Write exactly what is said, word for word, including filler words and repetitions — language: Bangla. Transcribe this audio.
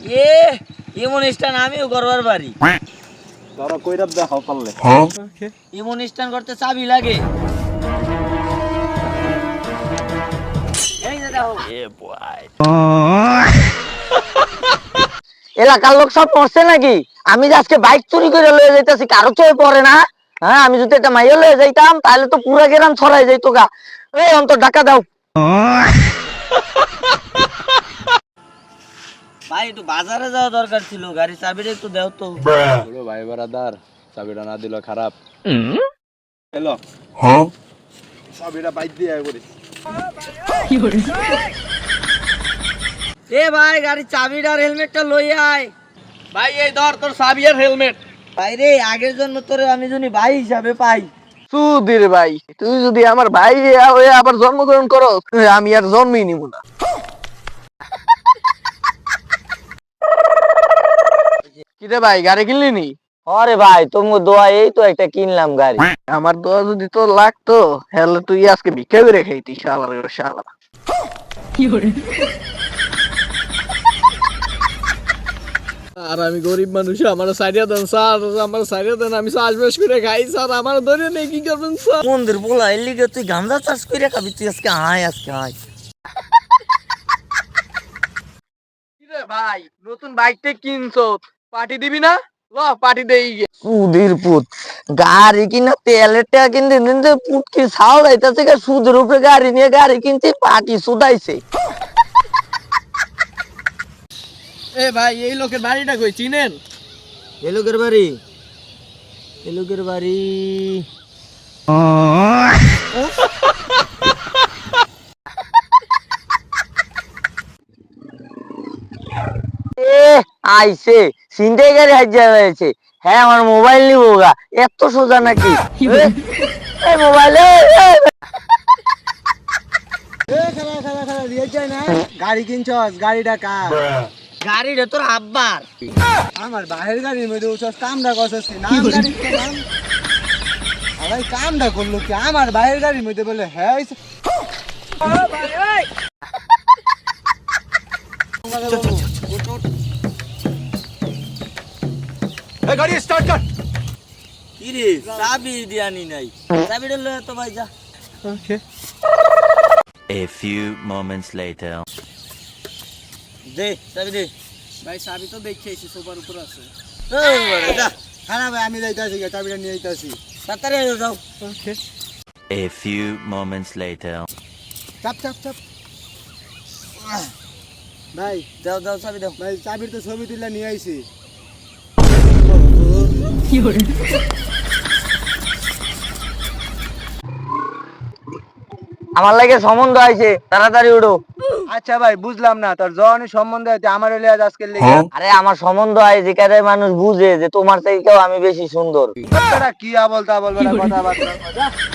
এ এমন স্টান আমিও করবার পারি। ধরো কইরা দেখাও পারলে। এমন স্টান করতে চাবি লাগে। এই যে দেখো এলাকার লোক সব মরছে নাকি? আমি যে আজকে বাইক চুরি করে লয়ে যাইতাছি কারো চোখে পড়ে না। হ্যাঁ, আমি যদি একটা মাইয়া লয়ে যাইতাম তাহলে তো পুরা গ্রাম ছড়াই যাইতো গা। এই অন্তর ঢাকা দাও ভাই, একটু বাজারে যাওয়া দরকার ছিল, গাড়ি চাবিটা একটু দাও তো। বড় ভাই বারাদার, চাবিটা না দিলে খারাপ। হ্যালো, হ্যাঁ চাবিটা বাইক দিয়ে আয় করিস। এ ভাই, গাড়ির চাবিটা আর হেলমেটটা লই আয়। ভাই এই ধর তোর চাবি আর হেলমেট। ভাই রে, আগের জন্য তোরে আমি যদি ভাই হিসাবে পাই। সুধীর ভাই, তুই যদি আমার ভাই হয়ে আবার জন্মগ্রহণ করো, আমি আর জন্মই নিব না। কিরে ভাই, গাড়ি কিনলি নি? আরে ভাই, তোমার দোয়া এই তো একটা কিনলাম গাড়ি। আমার দোয়া যদি তোর লাগতো তাহলে তুই আজকে ভিক্ষা করে খাইতি। শালা রে শালা। আর আমি গরিব মানুষ, আমার সাইডে দেন স্যার, আমার সাইডে দেন, আমি চাষবাস করে খাই স্যার, আমার ধরে নেই কি করবেন স্যার? মন্দির বলা এর লিগে তুই গাঁজা চাষ করে খাবি? তুই আজকে আয়, আজকে আয়। কিরে ভাই, নতুন বাইকটা কিনছো, পার্টি দিবি না? ল পার্টি দেই গে। সুধীর পুত, গাড়ি কিনা তেলের টাকা কিনতে কিনতে পুত কি ছাও যাইতেছে, সুদের উপরে গাড়ি নিয়ে গাড়ি কিনছে, পাটি সুদাইছে। এ ভাই, এই লোকের বাড়িটা কই চিনেন? এ লোকের বাড়ি, এ লোকের বাড়ি এ আইছে সিনটাই গাড়ি হাজিয়া হয়েছে। হ্যাঁ, আমার মোবাইল নিবো গা, এত সোজা নাকি? এই মোবাইল গাড়ি কিনছস, গাড়িটা কার? গাড়িটা তোর আব্বার। আমার বাহির গাড়ির মধ্যে উঠছস, কামটা করছস কি? নাম গাড়ির তো নাম। আরে কামটা করলো কি আমার বাহির গাড়ির মধ্যে? বলে হ্যাঁ গাড়ি স্টার্ট কর। কি রে, চাবি দিয়ানি নাই? চাবিটা লয়ে তো ভাই যা। ওকে। A few moments later. দে চাবি দে। ভাই চাবি তো দেখেছি সোফার উপর আছে। এই বাড়া, যা। হ্যাঁ ভাই, আমি যাইতাছি, চাবিটা নিয়ে যাইতাছি। তাড়াতাড়ি আয়, যাও। ওকে। A few moments later. চাপ চাপ চাপ। ভাই দাও দাও, চাবি দাও। ভাই, চাবির তো ছবি তুলে নিয়ে আইছি। আমার লাগে সম্বন্ধ আছে, তাড়াতাড়ি উঠো। আচ্ছা ভাই, বুঝলাম না, তোর জওয়ানি সম্বন্ধে আছে আমার এলে আজ আজকের লেগে। আরে আমার সম্বন্ধ আছে যেখানে মানুষ বুঝে যে তোমার থেকে কেউ আমি বেশি সুন্দর। কি আবল তা বলবে না, কথাবার্তা